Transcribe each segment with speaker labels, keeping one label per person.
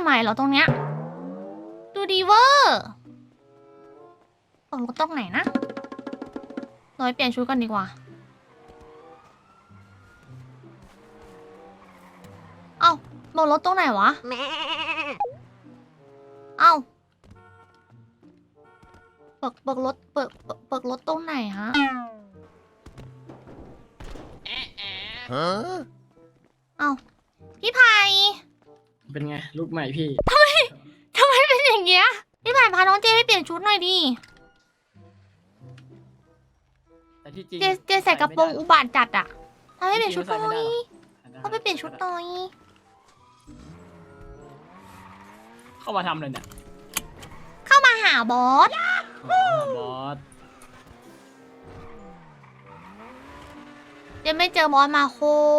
Speaker 1: ใหม่เหรอตรงเนี้ยดูดีเวอร์ตกรถตรงไหนนะเราไปเปลี่ยนชุดกันดีกว่าเอ้าตกรถตรงไหนวะเอ้าเปิกรถเปิกรถตรงไหนฮะเอ้าพี่ไผ่
Speaker 2: เป็นไงลูกใหม่พี่
Speaker 1: ทำไมเป็นอย่างเงี้ยพี่ไผ่พาน้องเจไปเปลี่ยนชุดหน่อยดิ
Speaker 2: แต่ที่จริง
Speaker 1: เจใส่กระโปรงอุบาทจัดอะทำให้เปลี่ยนชุดหน่อยเขาไปเปลี่ยนชุดหน่อย
Speaker 2: เข้ามาทำเลยเนี่ย
Speaker 1: เข้ามาหาบอส
Speaker 2: บอส
Speaker 1: เจไม่เจอบอสมาโค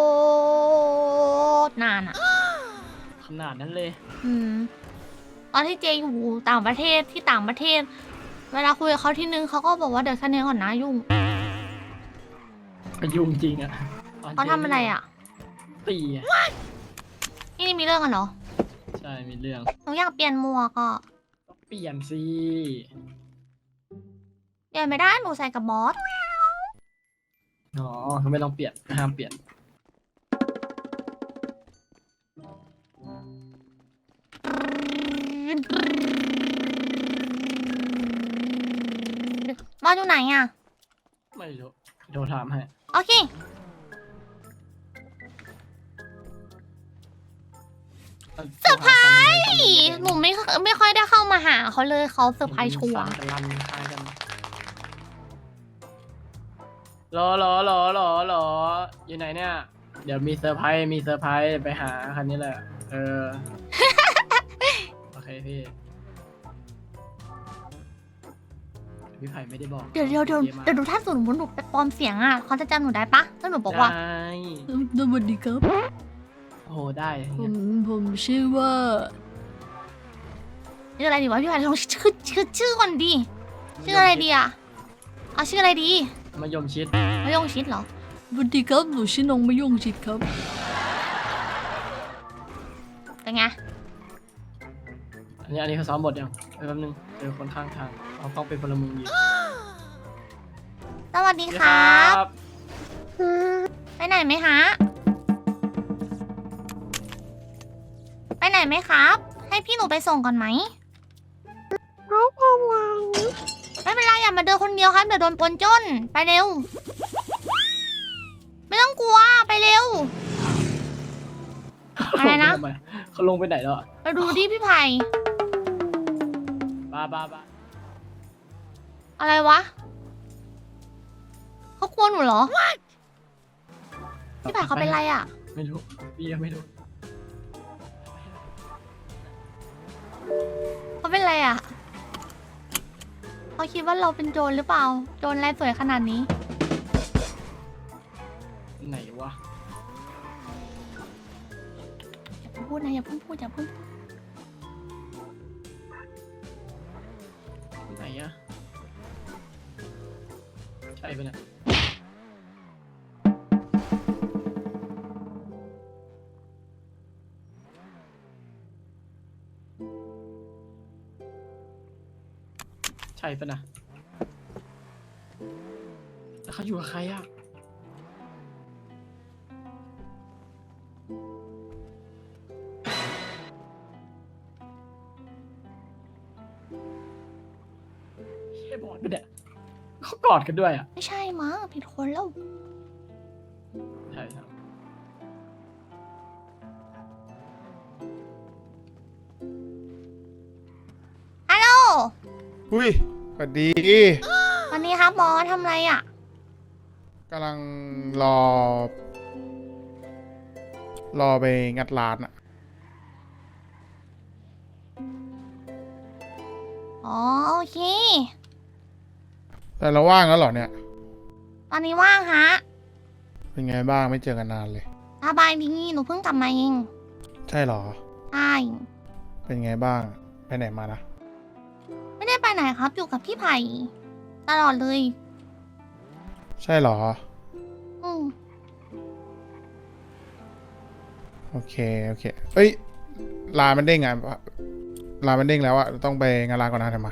Speaker 1: ตรนานอะ
Speaker 2: ขนาดนั้นเลย
Speaker 1: ตอนที่เจอยู่ต่างประเทศที่ต่างประเทศเวลาคุยกับเขาทีนึงเขาก็บอกว่าเดี๋ยวแค่นี้ก่อนนะยุ่ง
Speaker 2: ยุ่งจริงอะ
Speaker 1: เขาทำอะไรอะ
Speaker 2: ตีอะ
Speaker 1: นี่มีเรื่องกันเหรอ
Speaker 2: ใช่มีเรื่อง
Speaker 1: หนูอยากเปลี่ยนหมวกอ่ะ
Speaker 2: เปลี่ยนสิ
Speaker 1: เปลี่ยนไม่ได้หนูใส่กับบอส
Speaker 2: อ๋อไม่ต้องเปลี่ยนห้ามเปลี่ยน
Speaker 1: บอสอยู่ไหนอ่ะ
Speaker 2: ไม่รู้โทรถามให้
Speaker 1: โอเคเซอร์ไพรส์หนูไม่ค่อยได้เข้ามาหาเขาเลยเขาเซอร์ไพรส์ชัวร์
Speaker 2: รออยู่ไหนเนี่ยเดี๋ยวมีเซอร์ไพรส์ไปหาคันนี้แหละโอเคพี่ไผ่ไม่ได้บอก
Speaker 1: เดี๋ยวดูถ้าสมมติหนูไปปลอมเสียงอ่ะเขาจะจำหนูได้ปะถ้าหนูบอกว่าสวัสดีครับ
Speaker 2: โอ้ได้
Speaker 1: ผมชื่อว่าชื่ออะไรดีวะพี่ไผ่ลองชื่อก่อนดิชื่ออะไรดีอ่ะเอาชื่ออะไรดี
Speaker 2: มะยงชิด
Speaker 1: เหรอสวัสดีครับหนูชื่อน้องมะยงชิดครับเป็นไง
Speaker 2: อันนี้เขาซ้อมบทยังแป๊บนึงเจอคนข้างทางเขาต้องเป็นพลเมืองดี
Speaker 1: สวัสดีครับไปไหนไหมฮะไปไหนไหมครับให้พี่หนูไปส่งก่อนไหมไม่เป็นไรอย่ามาเดินคนเดียวครับเดี๋ยวโดนปนจ้นไปเร็วไม่ต้องกลัวไปเร็วอะไรนะ
Speaker 2: เขาลงไปไหนแล้ว
Speaker 1: ไปดูดิพี่ไผ่
Speaker 2: บ้า
Speaker 1: อะไรวะเขากลัวหนูเหรอพี่ไผ่เขาเป็นไรอ่ะ
Speaker 2: ไม่รู้พี่ยังไม่รู้
Speaker 1: เขาเป็นไรอ่ะเขาคิดว่าเราเป็นโจรหรือเปล่าโจรอะไรสวยขนาดนี้
Speaker 2: ไหนวะ
Speaker 1: อย่าพูดนะอย่าเพิ่งพูด
Speaker 2: ไหนอะใช่ปะเนี่ยใช่ปะนะแล้วเขาอยู่กับใครอะบอดไปเนี่ยเขากอดกันด้วยอ่ะ
Speaker 1: ไม่ใช่มั้งผิดคนแล้ว
Speaker 2: ใช่ครับ
Speaker 1: ฮัลโหล
Speaker 3: อุ้ยสวัสดี
Speaker 1: วันนี้ครับบอสทำอะไรอ่ะ
Speaker 3: กำลังรอไปงัดร้านอ่ะ
Speaker 1: อ๋อโอเค
Speaker 3: แต่เราว่างแล้วเหรอเนี่ย
Speaker 1: ตอนนี้ว่างฮะ
Speaker 3: เป็นไงบ้างไม่เจอกันนานเลย
Speaker 1: สบายดีหนูเพิ่งกลับมาเอง
Speaker 3: ใช่เหรอ
Speaker 1: ใช่
Speaker 3: เป็นไงบ้างไปไหนมานะ
Speaker 1: ไม่ได้ไปไหนครับอยู่กับพี่ไผ่ตลอดเลย
Speaker 3: ใช่เหรอ
Speaker 1: ม
Speaker 3: โอเคเอ้ยลามันเด้งอ่ะลามันเด้งแล้วอ่ะต้องไปงานลาก่อนนะทำไม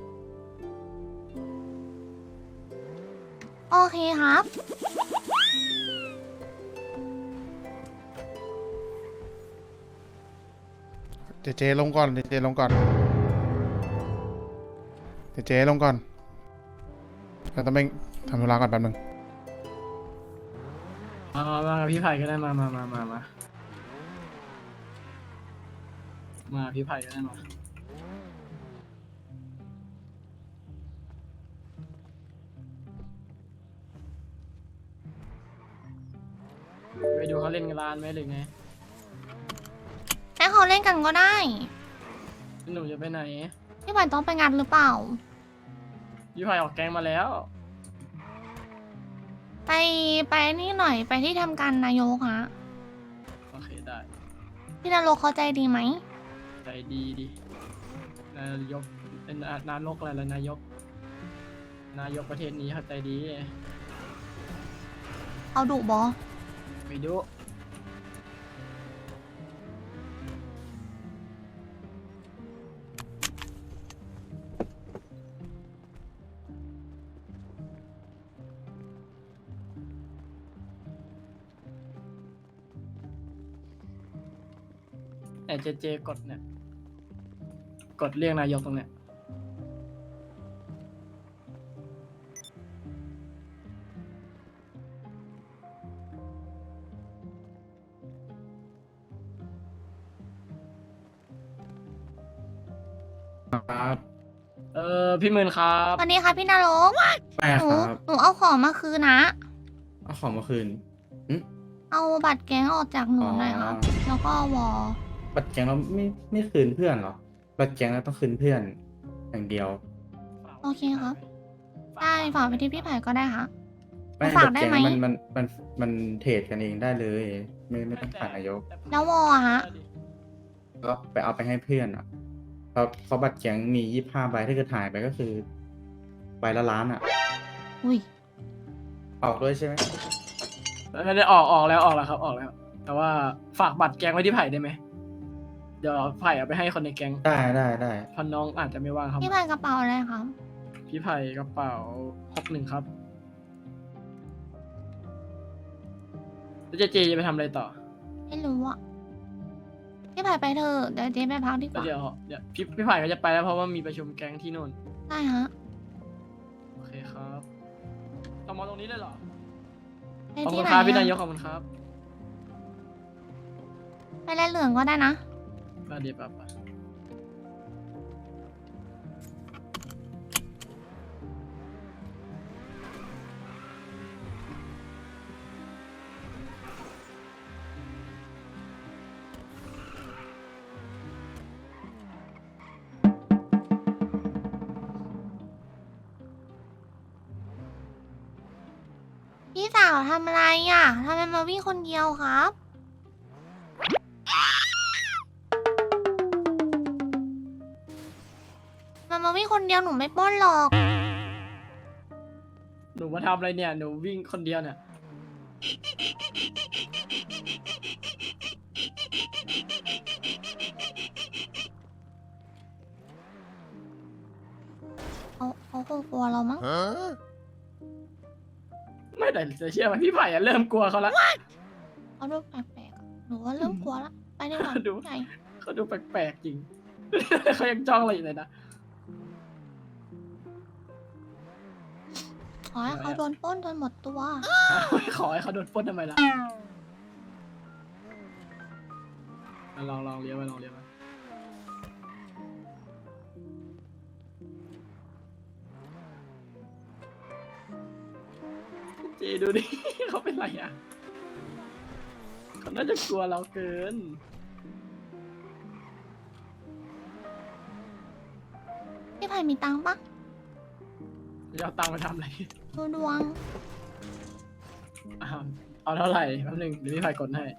Speaker 1: โอเคครับ
Speaker 3: เจลงก่อนเจลงก่อนเจลงก่อนเราต้องไปทำธุระก่อนแป๊บนึง
Speaker 2: มากับพี่ไผ่ก็ได้มาพี่ไผ่ก็ได้มาไปดูเขาเล่นกันร้านไหมหรือไง
Speaker 1: ให้เขาเล่นกันก็ได้
Speaker 2: หนูจะไปไหน
Speaker 1: พี่ไผ่ต้องไปงานหรือเปล่า
Speaker 2: พี่ไผ่ออกแกงมาแล้ว
Speaker 1: ไปนี่หน่อยไปที่ทำการนายกฮะ
Speaker 2: โอเคได้
Speaker 1: พี่นรกเขาใจดีไหม
Speaker 2: ใจดีดินายกเป็นนายกอะไรล่ะนายกประเทศนี้เขาใจดี
Speaker 1: เอาดุบอ
Speaker 2: ไม่ดู แต่เจกดเนี่ย กดเรียกนายกตรงเนี้ย
Speaker 4: ครับ
Speaker 2: พี่หมื่นครับ
Speaker 1: วันนี้ค่ะพี่นรก
Speaker 4: ไม่
Speaker 1: หนู
Speaker 4: ครับ
Speaker 1: หนูเอาของมาคืนนะ
Speaker 4: เอาของมาคืนอืม
Speaker 1: เอาบัตรแก๊งออกจากหนูหน่อยครับ แล้วก็วอ
Speaker 4: บัตรแก๊งเราไม่คืนเพื่อนเหรอ บัตรแก๊งเราต้องคืนเพื่อนอย่างเดียว
Speaker 1: โอเคครับ ได้ฝากไปที่พี่ไผ่ก็ได้ค่ะ
Speaker 4: ไม่
Speaker 1: ฝาก
Speaker 4: บัตร
Speaker 1: ได้
Speaker 4: แก๊ง
Speaker 1: ไหม
Speaker 4: มันเทรดกันเองได้เลย ไม่ต้องผ่านนายก
Speaker 1: แล้ววออะฮะ
Speaker 4: ก็ไปเอาไปให้เพื่อนอ่ะเพราะบัตรแก๊งมี25 ใบถ้าเกิดหายไปก็คือใบละล้านอ่ะ
Speaker 1: อุ้ย
Speaker 4: ออกด้วยใช่ไหม
Speaker 2: ไม่ได้ออกแล้วครับออกแล้ว แต่ว่าฝากบัตรแกงไว้ที่ไผ่ได้ไหม เดี๋ยวไผ่เอาไปให้คนในแกง
Speaker 4: ได้
Speaker 2: เพราะน้องอาจจะไม่ว่างครับ
Speaker 1: พี่ไผ่กระเป๋าอะไรครับ
Speaker 2: พี่ไผ่กระเป๋า61ครับแล้วเจจะไปทำอะไรต่อ
Speaker 1: ไม่รู้อะพี่ไผ่ไปเถอะเดี๋ยวเจ๊ไปพักดีก
Speaker 2: แล้ว
Speaker 1: ว่า
Speaker 2: เดี๋ยวพี่ไผ่ก็จะไปแล้วเพราะว่ามีประชุมแกงที่นู่น
Speaker 1: ได้ฮะ
Speaker 2: โอเคครับต้องมาตรงนี้เลยเหรอ
Speaker 1: ไป
Speaker 2: ขอบ
Speaker 1: ที่
Speaker 2: คุณ
Speaker 1: ไหน
Speaker 2: ครับพี่นา
Speaker 1: อะ
Speaker 2: ยกขอบคุณครับ
Speaker 1: ไปแลเหลืองก็ได้นะ
Speaker 2: มาเดี๋ยวแบบ
Speaker 1: พี่สาวทำอะไรอ่ะทำไมมาวิ่งคนเดียวครับมันมาวิ่งคนเดียวหนูไม่ปล้นหรอก
Speaker 2: หนูมาทำอะไรเนี่ย หนูวิ่งคนเดียวเนี่ย
Speaker 1: เขาคงกลัวเรามั้ง
Speaker 2: ไม่แต่จะเชื่อไหมพี่ไผ่อะเริ่มกลัวเขาแล้ว
Speaker 1: เขาดูแปลกๆอะหนูว่าเริ่มกลัวละไปดีกว่า
Speaker 2: ดู
Speaker 1: พี่ไผ่
Speaker 2: เขาดูแปลกๆจริง เขายังจ้องเราอยู่เลยนะ
Speaker 1: ขอให้เขาโดนปล้นจนหมดตัว
Speaker 2: ขอให้เขาโดนปล้นทำไมล่ะลองเลี้ยวไปลองเลี้ยวไปเจดูดิ เขาเป็นไรอ่ะเขาน่าจะกลัวเราเกิน
Speaker 1: พี่ไผ่มีตังค์ปะ
Speaker 2: จะเอาตังค์มาทำอะไร
Speaker 1: ดูดวง
Speaker 2: อ้าวเอาเท่าไหร่แป๊บนึงเดี๋ยวพี่ไผ่กดให้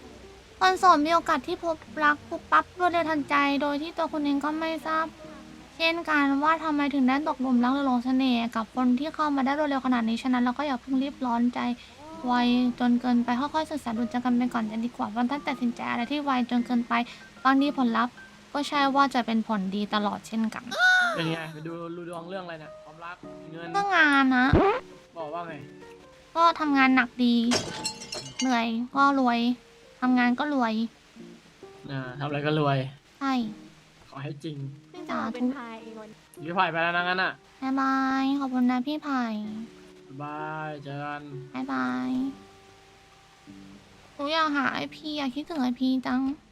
Speaker 1: คนโสดมีโอกาสที่พบรักปุ๊บปั๊บรวดเร็วทันใจ โดยที่ตัวคุณเองก็ไม่ทราบเช่นกันว่าทำไมถึงได้ตกหลุมรักหรือหลงเสน่ห์กับคนที่เข้ามาได้รวดเร็วขนาดนี้ฉะนั้นเราก็อย่าเพิ่งรีบร้อนใจไวจนเกินไปค่อยๆศึกษาดูใจกันไปก่อนจะดีกว่าเพราะถ้าตัดสินใจอะไรที่ไวจนเกินไปบางทีผลลัพธ์ก็ใช่ว่าจะเป็นผลดีตลอดเช่นกัน
Speaker 2: เป็นไงไปดูดวงเรื่องอะไรเนี่ยความรักเงิน
Speaker 1: ก็งานนะ
Speaker 2: บอกว่าไง
Speaker 1: ก็ทำงานหนักดี เหนื่อยก็รวยทำงานก็รวย
Speaker 2: ทำอะไรก็รวย
Speaker 1: ใช่
Speaker 2: ขอให้จริง
Speaker 5: พี่จะมาเป็นพายเองวัน
Speaker 2: พี่ไผ่ไปแล้วนะงั้นอ่ะ
Speaker 1: บ๊ายบายขอบคุณนะพี่ไผ่
Speaker 2: บ๊ายบายเจอกัน
Speaker 1: บ๊ายบายหนูอยากหาไอพีอยากคิดถึงไอพีจัง